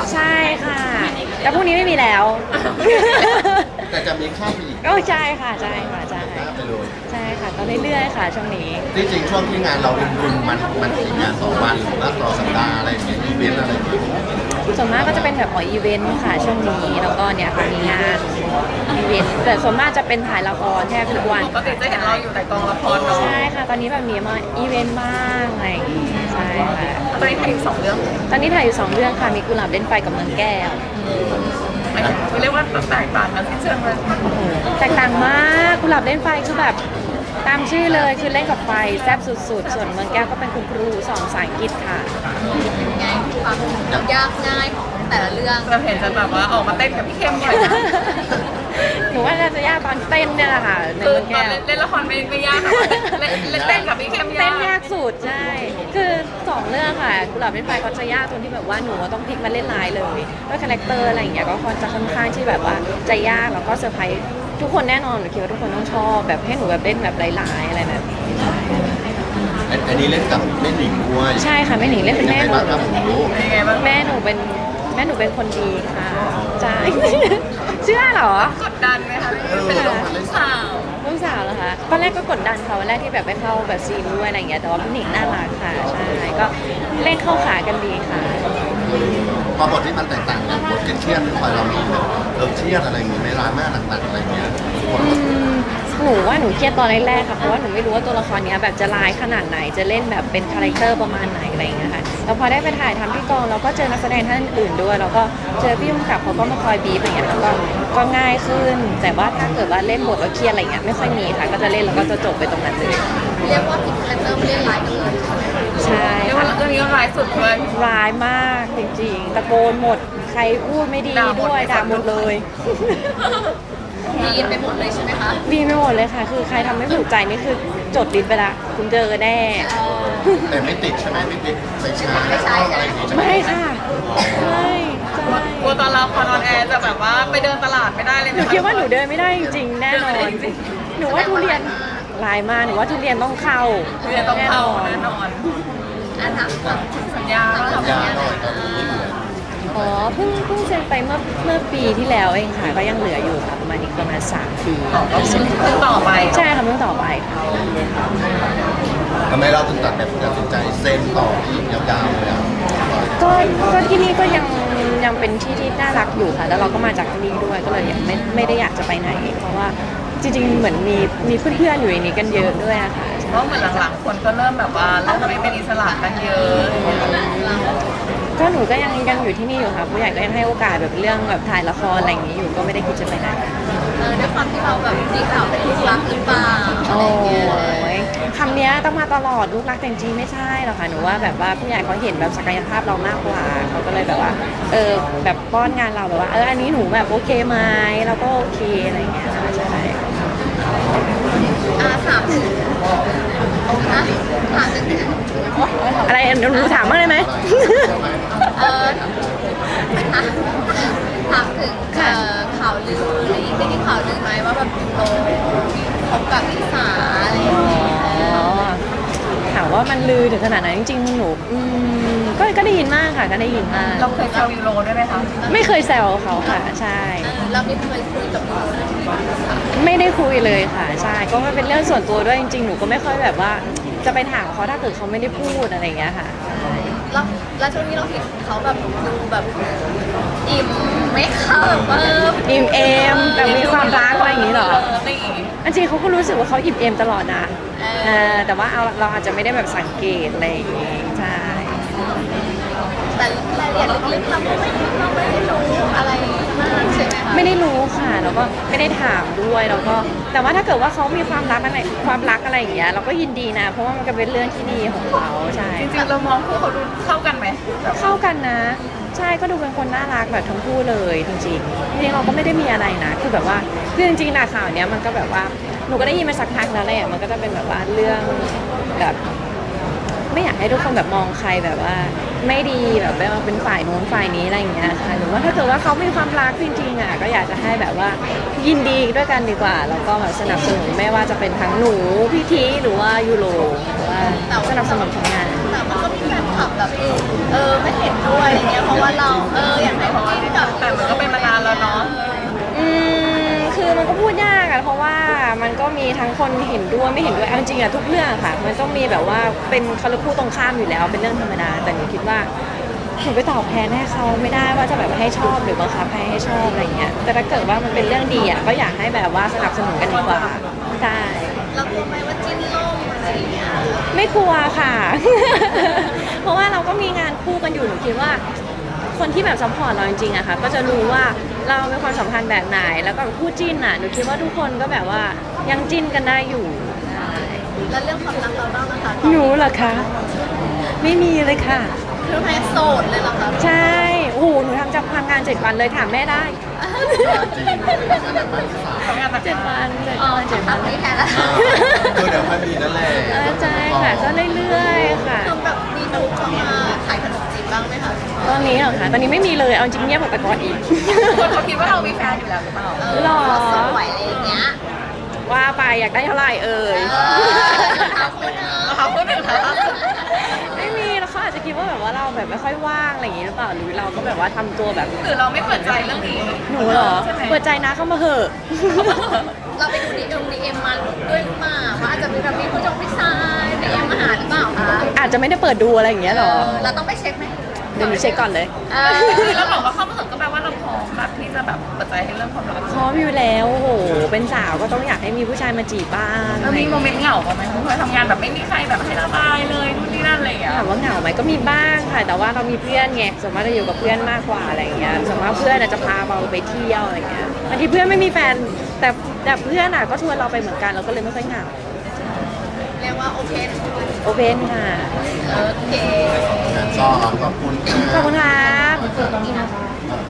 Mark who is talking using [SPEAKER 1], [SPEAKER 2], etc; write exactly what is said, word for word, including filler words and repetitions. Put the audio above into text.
[SPEAKER 1] ใช่ค่ะแต่พรุ่งนี้ไม่มีแล้ว
[SPEAKER 2] แต่จะมีข้ามไปอีก
[SPEAKER 1] ก็ใช่ค่ะใช่ค่ะใช่
[SPEAKER 2] หน้าไปเลย
[SPEAKER 1] ใช่ค่ะก็เรื่อยๆค่ะช่วงนี้
[SPEAKER 2] ที่จริงช่วงที่งานเรารุมๆมันมันกี่งานต่อวันหรือว่าต่อสัปดาห์อะไรอย่างเงี้ยอีเวนต์อะไรอย่างเงี้ย
[SPEAKER 1] ส่วนมากก็จะเป็นแบบของอีเวนต์ค่ะช่วงนี้แล้วก็เนี่ยค่ะมีงานอีเวนต์แต่ส่วนมากจะเป็นถ่ายละครแทบทุกวัน
[SPEAKER 3] ปกติจะเห็นเราอยู่แต่กองละครเนาะ
[SPEAKER 1] ใช่ค่ะตอนนี้แบบมีมาอีเวนต์บ้างอะไรอย่างงี้ใช่ค่ะ
[SPEAKER 3] ตอนนี้ถ่ายอยู่สองเรื่อง
[SPEAKER 1] ตอนนี้ถ่ายอยู่สองเรื่องค่ะมีกุหลาบเล่นไฟกับเมืองแก้ว
[SPEAKER 3] หมายถึงเรียกว่าแตกต่างกันที่เชิงเลย
[SPEAKER 1] โอ้โหแตกต่างมากกุหลาบเล่นไฟคือแบบตามชื่อเลยคือเล่นกับไฟแซ่บสุดๆ ส่วนเมืองแก้วก็เป็นคุณครูสอนภาษาอังกฤษค่ะ
[SPEAKER 4] ไงความยากง่ายของแต่ละเรื่อง
[SPEAKER 3] เราเห็นจะแบบว่าออกมาเต้นกับพี่เข้มบ่อยนะ
[SPEAKER 1] หนูว่าน่าจะยากตอนเต้นเนี่ยแหละค่ะใน
[SPEAKER 3] คือ
[SPEAKER 1] เมือง
[SPEAKER 3] ตอ
[SPEAKER 1] แก้
[SPEAKER 3] น
[SPEAKER 1] ว
[SPEAKER 3] เล่นละครไม่ไม่ยากแต่ว่าเล่นเล่นเต้นกับพี่เข้มยาก
[SPEAKER 1] เต้นยากสุดใช่ คือสองเรื่องค่ะกุหลาบเล่นไฟเขาจะยากตรงที่แบบว่าหนูต้องพลิกมาเล่นร้ายเลยด้วยคาแรคเตอร์อะไรอย่างเงี้ยก็ค่อนจะค่อนข้างที่แบบว่าจะยากแล้วก็เซอร์ไพรส์ทุกคนแน่นอนหนูคิดว่าทุกคนต้องชอบแบบให้หนูแบบเล่นแบบร้ายๆอะไรแบบนี้
[SPEAKER 2] อันนี้เล่นกับแม่หนิงด้วย
[SPEAKER 1] ใช่ค่ะแม่หนิงเล่นเป็นแม่
[SPEAKER 2] ยัง
[SPEAKER 1] ห
[SPEAKER 2] ไง
[SPEAKER 1] นู
[SPEAKER 2] บ้างครับผมรู้
[SPEAKER 3] เป็นยังไงบ้าง
[SPEAKER 1] แม่หนูเป็นแม่หนูเป็นคนดีค่ะใช่ เชื่อเหรอ
[SPEAKER 3] กดดันไหมคะเป็นลูกสาว
[SPEAKER 1] ลูกสาวเหรอคะตอนแรกก็กดดันเขาวันแรกที่แบบไปเข้าแบบซีนด้วยอะไรอย่างเงี้ยแต่ว่าพี่หนิงน่ารักค่ะใช่ก็เล่นเข้าขากันดีค่ะ
[SPEAKER 2] พอบทที่มันแตกต่างกันบทเครียดๆที่คอยเรามีแบบเราเครียดอะไรอย่างเงี้ยไม่ร้ายมากหนักๆอะไรอย่างเงี้ยคน
[SPEAKER 1] อืมหนูว่าหนูเครียดตอนแรกๆค่ะเพราะว่าหนูไม่รู้ว่าตัวละครเนี้ยแบบจะร้ายขนาดไหนจะเล่นแบบเป็นคาแรคเตอร์ประมาณไหนอะไรอย่างเงี้ยค่ะแล้วพอได้ไปถ่ายทำที่กองเราก็เจอนักแสดงท่านอื่นด้วยแล้วก็เจอพี่ยุ่งกับเขาก็มาคอยบีบอะไรอย่างเงี้ยแล้วก็ก็ง่ายขึ้น แต่ว่าถ้าเกิดว่าเล่นบทแล้วเครียดอะไรเงี้ยไม่ค่อยมีค่ะก็จะเล่นแล้วก็จะจบไปตรงนั้นเลย
[SPEAKER 4] เรียกว่าผิดคาแรคเตอร์ไม่เล่นร้ายกันเลย
[SPEAKER 1] ใช่
[SPEAKER 3] เรียกว่า
[SPEAKER 1] ค่ะ
[SPEAKER 3] เรื่องนี้ร้ายสุดเลย
[SPEAKER 1] ร้ายมากจริงๆตะโกนหมดใครพูดไม่ดีด้วยด่าหมดเลย
[SPEAKER 4] ดีไปหมดเลยใช่ไหมคะ
[SPEAKER 1] ดีไม่หมดเลยค่ะ คือใครทำไม่ถูกใจนี่คือจดลิสต์ไปละคุณเจอแน่
[SPEAKER 2] แต่ไม่ติดใช่ไหมไม่ติดไม่ใช่ไม่ใช่อะไรอย่างงี้ใช่ไหม
[SPEAKER 1] ไม่ค่ะไม่ใช่
[SPEAKER 3] กลัวตอนเราคอนออนแอร์จะแบบว่าไปเดินตลาดไม่ได้เลย
[SPEAKER 1] หนูคิดว่าหนูเดินไม่ได้จริงๆแน่นอน หนูว่าทุเรียนลายมากหนูว่าทุเรียนต้องเข้า
[SPEAKER 3] เรียนต้องเข้าแน่นอน
[SPEAKER 4] อันถามก่อน
[SPEAKER 3] สัญญาว่า
[SPEAKER 2] สั
[SPEAKER 3] เรา
[SPEAKER 2] ญญาหน่อยครับนี่เหลือ
[SPEAKER 1] อ๋อเพิ่งเพิ่งเซ็นไปเมื่อเมื่อปีที่แล้วเองค่ะก็ยังเหลืออยู่ค่ะประมาณอีกประมาณสามปี
[SPEAKER 3] ต่อก็ซึ่งต่อไป
[SPEAKER 1] ใช่ค่ะเพิ่งต่อไปค่ะ
[SPEAKER 2] ทำไมเราถึงตัดแบบตัดสินใจเซ็นต่ออีกยาวๆเลยอ่ะ
[SPEAKER 1] ก็ก็ที่นี่ก็ยังยังเป็นที่ที่น่ารักอยู่ค่ะ แล้วเราก็มาจากที่นี่ด้วยก็เลยยังไม่ไม่ได้อยากจะไปไหน เพราะว่าจริงๆเหมือนมีมีเพื่อนๆอยู่ในนี้กันเยอะด้วยอะค่ะ
[SPEAKER 3] เพราะเหมือนหลังๆคนก็เริ่มแบบว่าเริ่มไม่เป็นอิสระกันเยอะ
[SPEAKER 1] ก็หนูก็ยังยังอยู่ที่นี่อยู่ค่ะผู้ใหญ่ก็ยังให้โอกาสแบบเรื่องแบบถ่ายละครอะไรอย่างนี้อยู่ก็ไม่ได้คิดจะไปไหน
[SPEAKER 4] เออด้วยความที่เราแบบมีข่าวเป็นลูกรักหรือเปล่าอะ
[SPEAKER 1] โอ้
[SPEAKER 4] ไรเงี้ย
[SPEAKER 1] ยคำเนี้ยต้องมาตลอดลูกรักแต่จริงๆไม่ใช่หรอกค่ะหนูว่าแบบว่าผู้ใหญ่เขาเห็นแบบศักยภาพเรามากกว่าเขาก็เลยแบบว่าเออแบบป้อนงานเราแบบว่าเอออันนี้หนูแบบโอเคไหมเราก็โอเคอะไรอย่างเงี้ยค่ะใช่
[SPEAKER 4] อ่าถามถึงนะถามถึง
[SPEAKER 1] อะไรหนูถามบ้างได้ไหม
[SPEAKER 4] เออถามถามถึงเอ่อข่าวลืออะไรอย่างเงี้ยได้ยินข่าวลือไหมว่าแบบโตคบกับลิซ่าอะไรอย่างเงี้ย
[SPEAKER 1] อ๋อถามว่ามันลือถึงขนาดไหนจริงๆหนูอืมก็ก็ได้ยินมากค่ะก็ได้ยินมาก
[SPEAKER 3] เราเคยแซวยูโรด้วยไหมคะ
[SPEAKER 1] ไม่เคยแซวเขาค่ะใช่
[SPEAKER 4] เออเราไม่เคยคุยกับยูโรเรื่องนี้เลยค่ะ
[SPEAKER 1] ไม่ได้คุยเลยค่ะใช่ก็มันเป็นเรื่องส่วนตัวด้วยจริงๆหนูก็ไม่ค่อยแบบว่าจะไปถามเขาถ้าเกิดเขาไม่ได้พูดอะไรอย่างเงี้ยค่ะใช่
[SPEAKER 4] แล้วแล้วช่วงนี้เราเห็นเขาแบบดูแบบอิ่มไม่เข้าแบบว่า
[SPEAKER 1] อิ่มเอมแบบมีความรักอะไรอย่างงี้เหรอ
[SPEAKER 3] นี่
[SPEAKER 1] อันจริงเขาก็รู้สึกว่าเขาอิ่มเอมตลอดนะเออแต่ว่าเอาเราอาจจะไม่ได้แบบสังเกตอะไรอย่างงี้ใช่
[SPEAKER 4] แต่รายละเอียดลึกๆเราก็ไม่เราไม่ได้รู้อะไรมากใช่ไหมคะ
[SPEAKER 1] ไม่ได้รู้ค่ะแล้วก็ไม่ได้ถามด้วยแล้วก็แต่ว่าถ้าเกิดว่าเขามีความรักอะไรความรักอะไรอย่างเงี้ยเราก็ยินดีนะเพราะว่ามันก็เป็นเรื่องที่ดีของเขาใช่
[SPEAKER 3] จริงๆเรามองคู่เขาดูเข้ากันไหมแบบ
[SPEAKER 1] เข้ากันนะ ใช่ก็ดูเป็นคนน่ารักแบบทั้งคู่เลยจริงๆจริงๆเราก็ไม่ได้มีอะไรนะคือแบบว่าคือจริงๆนะข่าวเนี้ยมันก็แบบว่าหนูก็ได้ยินมาสักพักแล้วแหละมันก็จะเป็นแบบว่าเรื่องแบบไม่อยากให้ทุกคนแบบมองใครแบบว่า ไม่ดีแบบว่าเป็นฝ่ายโน้นฝ่ายนี้อะไรอย่างเงี้ยค่ะหรือว่าถ้าเกิดว่าเขามีความรักจริงๆอ่ะก็อยากจะให้แบบว่ายินดีด้วยกันดีกว่าแล้วก็แบบสนับสนุนไม่ว่าจะเป็นทั้งหนูพี่ทีหรือว่ายูโรหรือว่าสนับสนุนผลงาน
[SPEAKER 4] แต่มันก็มีแฟนคลับลับแบบเออไม่เห็นด้วยอะไรเงี้ยเพราะว่าเราเอออยากให้พี่ที่แบบ
[SPEAKER 3] แต่มันก็เป็นมานานแล้วเนาะ
[SPEAKER 1] อืมคือมันก็พูดยากอะเพราะว่ามันก็มีทั้งคนเห็นด้วยไม่เห็นด้วยเอาจริงๆอะทุกเรื่องอะค่ะ มันต้องมีแบบว่าเป็นเขาเรียกคู่ตรงข้ามอยู่แล้วเป็นเรื่องธรรมดาแต่หนูคิดว่าหนูไปตอบแทนให้เขาไม่ได้ว่าจะแบบให้ชอบหรือบังคับให้ให้ชอบอะไรเงี้ยแต่ถ้าเกิดว่ามันเป็นเรื่องดีอะก็อยากให้แบบว่าสนับสนุนกันดีกว่าใช่
[SPEAKER 4] เรากลัวไหมว่าจิ้นล่มอะไรอย่างเงี้ย
[SPEAKER 1] ไม่กลัวค่ะ เพราะว่าเราก็มีงานคู่กันอยู่หนูคิดว่า คนที่แบบซัพพอร์ตเราจริงๆอะค่ะก็จะรู้ว่าเราเป็นความสัมพันธ์แบบไหนแล้วก็คู่จิ้นอะหนูคิดว่าทุกคนก็แบบว่ายังจิ้นกันได้อยู่ใช่
[SPEAKER 4] แล้วเรื่องความรักเราบ้างนะคะ
[SPEAKER 1] หนูเหรอคะไม่มีเลยค่ะ
[SPEAKER 4] คือแพ้โสดเลยเหรอคะ
[SPEAKER 1] ใช่โอ้โหหนูทำจากทำงานเจ็ดวันเลยถามแม่ได้
[SPEAKER 2] จริงอันนั้นมันที่สาม
[SPEAKER 3] ทำงานหนัก
[SPEAKER 1] เจ็ดวันเจ็ด
[SPEAKER 4] อ๋อ
[SPEAKER 1] วันเจ็ด
[SPEAKER 4] ทำ
[SPEAKER 1] วัน
[SPEAKER 4] ไม่แพ้แล้ว
[SPEAKER 2] คือเดี๋ยวค่อยมีนั่นแหละ
[SPEAKER 1] เออใช่ค่ะก็เรื่อยๆค่ะ
[SPEAKER 4] คือแบบมีหนุ่มเข้ามาขายขนมจีบบ้างไหมคะ
[SPEAKER 1] ตอนนี้เหรอคะตอนนี้ไม่มีเลยเอาจริงเงียบกว่าแต่ก่อนอีก
[SPEAKER 3] คนเขาคิดว่าเรามีแฟนอยู่แล้วหรือเปล่า
[SPEAKER 4] เออ
[SPEAKER 1] หรอ
[SPEAKER 4] สวยอะไรอย่างเงี้ย
[SPEAKER 1] ว่าไปอยากได้เท่าไหร่เอ่ย
[SPEAKER 4] เออเอาคุณเนอะ
[SPEAKER 3] เขาพูดถึงใครคะ
[SPEAKER 1] ไม่มีแล้วเขาอาจจะคิดว่าแบบว่าเราแบบไม่ค่อยว่างอะไรอย่างงี้หรือเปล่าหรือเราก็แบบว่าทำตัวแบบ
[SPEAKER 3] หรือเราไม่เปิดใจเรื่องนี้
[SPEAKER 1] หนูเหรอ
[SPEAKER 3] ใช่ไหม
[SPEAKER 1] เปิดใจนะเข้ามาเหอะ
[SPEAKER 4] เราไปดูดีเอ็มดีเอ็มมาด้วยหรือเปล่าว่าอาจจะมีแบบมีผู้จงผู้ชายดีเอ็มมาหาหรือเปล่าคะ
[SPEAKER 1] อาจจะไม่ได้เปิดดูอะไรอย่างเงี้ยหรอ
[SPEAKER 4] เออเราต้องไปเช็คไหม
[SPEAKER 1] เดี๋ยวหนูเช็คก่อนเลย
[SPEAKER 4] เออ
[SPEAKER 3] คือเราบอกว่าเข้ามาถึงก็แปลว่าเราพร้อมแบบที่จะแบบเปิดใจให้เรื่องความรัก
[SPEAKER 1] พร้อมอยู่แล้วโอ้โหเป็นสาวก็ต้องอยากให้มีผู้ชายมาจีบบ้าง
[SPEAKER 3] แล้วมีโมเมนต์เหงาบ้างไหมเคยทำงานแบบไม่มีใครแบบให้ระบายเลยนู่นนี่นั่นอะไรอย่างเงี้ย
[SPEAKER 1] ถามว่าเหงาไหมก็มีบ้างค่ะ แต่ว่าเรามีเพื่อนไงส่วนมากจะอยู่กับเพื่อนมากกว่าอะไรอย่างเงี้ยส่วนมากเพื่อนอาจจะพาเราไปเที่ยวอะไรอย่างเงี้ยบางทีเพื่อนไม่มีแฟนแต่แต่เพื่อนอ่ะก็ชวนเราไปเหมือนกันเราก็เลยไม่ค่อยเหงา
[SPEAKER 4] เรียกว่าโอเพน
[SPEAKER 1] โอเพนค่ะ
[SPEAKER 4] โอเค
[SPEAKER 2] งั้นก็ขอบคุณ
[SPEAKER 1] ขอบคุณครับ